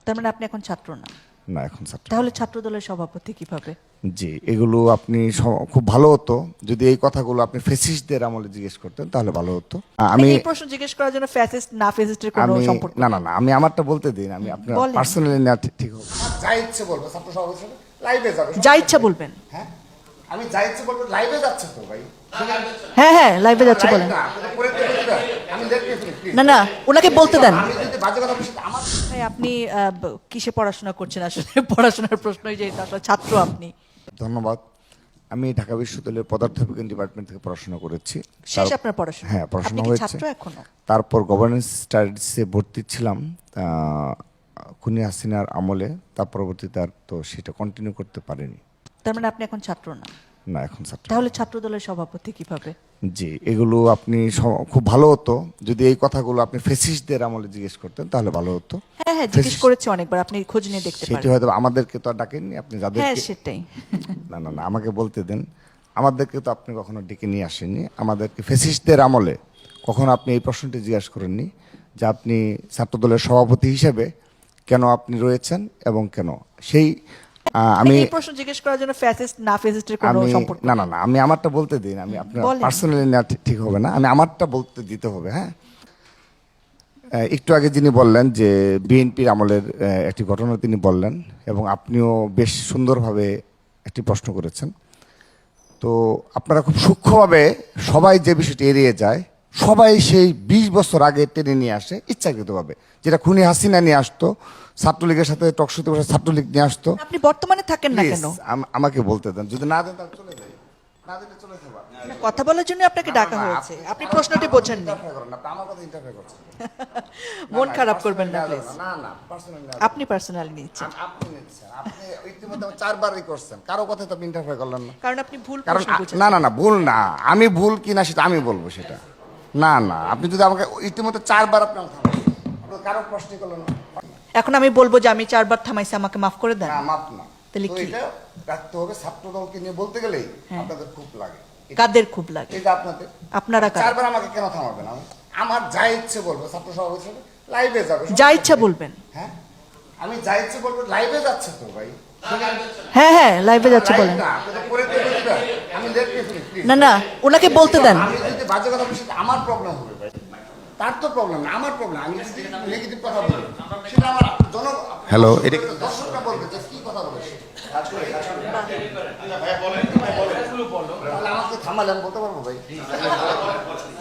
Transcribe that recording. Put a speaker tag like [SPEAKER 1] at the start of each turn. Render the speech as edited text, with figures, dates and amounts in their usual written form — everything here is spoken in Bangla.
[SPEAKER 1] তার মানে আপনি এখন ছাত্র না?
[SPEAKER 2] না, এখন ছাত্র।
[SPEAKER 1] তাহলে ছাত্র দলের সভাপতি কিভাবে?
[SPEAKER 2] জি, এগুলো আপনি খুব ভালো হতো যদি এই কথাগুলো আপনি ফেসিস্টদের আমলে জিজ্ঞেস করতেন, তাহলে ভালো হতো। আমি
[SPEAKER 1] এই প্রশ্ন জিজ্ঞেস করার জন্য ফ্যাসিস্ট না ফ্যাসিস্টের কোনো
[SPEAKER 2] আমি
[SPEAKER 1] সম্পর্ক
[SPEAKER 2] না
[SPEAKER 1] নেই।
[SPEAKER 2] না না আমি আমারটা বলতে দিন। আমি আপনার
[SPEAKER 1] বলেন।
[SPEAKER 2] পার্সোনালি না, ঠিক হবে। যা ইচ্ছে বলবো, ছাত্র সভাপতি হিসেবে লাইভে যাবে।
[SPEAKER 1] যা ইচ্ছা বলবেন।
[SPEAKER 2] হ্যাঁ, আমি যা ইচ্ছে বলবো, লাইভে যাচ্ছে তো ভাই।
[SPEAKER 1] হ্যাঁ হ্যাঁ, লাইভে যাচ্ছে, বলেন।
[SPEAKER 2] আমি দেখতে ফেলি,
[SPEAKER 1] না না, ওনাকে বলতে দেন।
[SPEAKER 2] আমি যদি বাজে কথা বলি, আমার
[SPEAKER 1] ভাই, আপনি কিসে পড়াশোনা করছেন আসলে? পড়াশোনার প্রশ্নই যেহেতু আসলে ছাত্র আপনি।
[SPEAKER 2] ধন্যবাদ। আমি ঢাকা বিশ্ববিদ্যালয়ের পদার্থবিজ্ঞান ডিপার্টমেন্ট থেকে পড়াশোনা করেছি।
[SPEAKER 1] শেষ আপনার পড়াশোনা?
[SPEAKER 2] হ্যাঁ, পড়াশোনা
[SPEAKER 1] আপনি কি
[SPEAKER 2] হয়েছে।
[SPEAKER 1] ছাত্র এখনো?
[SPEAKER 2] তারপর গভর্নেন্স স্টাডিজে ভর্তি ছিলাম খুনি হাসিনার আমলে। তার পরবর্তীতে আর তো সেটা কন্টিনিউ করতে পারিনি।
[SPEAKER 1] তার মানে আপনি এখন ছাত্র না?
[SPEAKER 2] না, এখন ছাত্র।
[SPEAKER 1] তাহলে ছাত্র দলের সভাপতি কিভাবে?
[SPEAKER 2] জি, এগুলো আপনি খুব ভালো হতো যদি এই কথাগুলো আপনি ফেসিস্টদের আমলে জিজ্ঞেস করতেন, তাহলে ভালো হতো।
[SPEAKER 1] হ্যাঁ হ্যাঁ, জিজ্ঞেস করেছি অনেকবার, আপনি খোঁজ নিয়ে দেখতে
[SPEAKER 2] সেটি
[SPEAKER 1] পারেন।
[SPEAKER 2] হয়তো আমাদেরকে তো আর ডাকেননি, আপনি
[SPEAKER 1] হ্যাঁ,
[SPEAKER 2] যাদেরকে।
[SPEAKER 1] সেটাই।
[SPEAKER 2] না না না, আমাকে বলতে দেন। আমাদেরকে তো আপনি কখনো ডেকে নিয়ে আসেননি। আমাদেরকে ফেসিস্টদের আমলে কখনো আপনি এই প্রশ্নটি জিজ্ঞাসা করেননি যে আপনি ছাত্রদলের সভাপতি হিসেবে কেন আপনি রয়েছেন এবং কেন সেই আমি
[SPEAKER 1] এই প্রশ্ন জিজ্ঞেস করার জন্য ফ্যাসিস্ট না ফ্যাসিস্টের কোনো
[SPEAKER 2] আমি
[SPEAKER 1] সম্পর্ক
[SPEAKER 2] না
[SPEAKER 1] নেই।
[SPEAKER 2] না না আমি আমারটা বলতে দিন। আমি আপনার
[SPEAKER 1] বলেন।
[SPEAKER 2] পার্সোনালি না, ঠিক হবে না। আমি আমারটা বলতে দিতে হবে। হ্যাঁ, একটু আগে যিনি বললেন যে বিএনপির আমলের একটি ঘটনা তিনি বললেন, এবং আপনিও বেশ সুন্দরভাবে একটি প্রশ্ন করেছেন। তো আপনারা খুব সূক্ষ্মভাবে সবাই যে বিষয়টি এড়িয়ে যায়, সবাই সেই 20 বছর আগে টেনে নিয়ে আসে ইচ্ছাকৃতভাবে, যেটা খুনি হাসিনা নিয়ে আসতো, ছাত্রলীগের সাথে টকশোতে বসে ছাত্রলীগ নিয়ে আসতো।
[SPEAKER 1] আপনি বর্তমানে থাকেন না
[SPEAKER 2] Please,
[SPEAKER 1] কেন?
[SPEAKER 2] আমাকে বলতে দেন। যদি না দেন তাহলে চলে যাই, না দিলে চলে যাবো।
[SPEAKER 1] না, কথা বলার জন্য আপনাকে ডাকা হয়েছে, আপনি প্রশ্নটি বোঝেননি।
[SPEAKER 2] আমার কথা ইন্টারফেয়ার করছেন।
[SPEAKER 1] মন খারাপ করবেন না প্লিজ।
[SPEAKER 2] না না, পার্সোনালি
[SPEAKER 1] আপনি পার্সোনালি নিচ্ছেন
[SPEAKER 2] আপনি নিচ্ছেন। আপনি ইতিমধ্যে 4বারই করছেন, কারো কথাই তো আপনি ইন্টারফেয়ার করলেন না।
[SPEAKER 1] কারণ আপনি ভুল
[SPEAKER 2] কারণ
[SPEAKER 1] প্রশ্ন বুঝেছেন।
[SPEAKER 2] না না না, ভুল না। আমি ভুল কিনা সেটা আমি বলবো সেটা। না না, আপনি যদি আমাকে ইতিমধ্যে 4বার আপনি আমাকে থামাচ্ছেন, আপনি কারো প্রশ্নই করলেন না।
[SPEAKER 1] এখন আমি বলবো যে আমি 4বার থামাইছি, আমাকে মাফ করে দেন।
[SPEAKER 2] না, মাপ না।
[SPEAKER 1] তাহলে
[SPEAKER 2] তো
[SPEAKER 1] কি?
[SPEAKER 2] এটা রাখতে হবে। ছাত্র দলকে নিয়ে বলতে গেলেই আপনাদের খুব লাগে।
[SPEAKER 1] কাদের খুব লাগে?
[SPEAKER 2] এটা আপনাদের।
[SPEAKER 1] আপনারা কারা?
[SPEAKER 2] 4বার আমাকে কেন থামাবেন? আমার যা ইচ্ছে বলবো, ছাত্র সভাপতি হিসেবে লাইভে যাবে।
[SPEAKER 1] যা ইচ্ছা বলবেন।
[SPEAKER 2] হ্যাঁ, আমি যা ইচ্ছে বলবো, লাইভে যাচ্ছে তো ভাই।
[SPEAKER 1] হ্যাঁ হ্যাঁ, লাইভে যাচ্ছে,
[SPEAKER 2] লাইভ
[SPEAKER 1] বলেন।
[SPEAKER 2] না, আপনি তো করে দিয়ে বলবেন, আমি দেখতে ফেলি, প্লিজ।
[SPEAKER 1] না না, ওনাকে বলতে দেন।
[SPEAKER 2] আমি যদি বাজে কথা বলি সেটা আমার প্রবলেম হবে ভাই। তার তো প্রবলেম না, আমার প্রবলেম। আমি যদি নেগেটিভ কথা বলি সেটা আমার হ্যালো, এটা দর্শকরা বলবে যে কি কথা বলেছে। তাহলে আমাকে থামালেন, বলতে পারবো ভাই।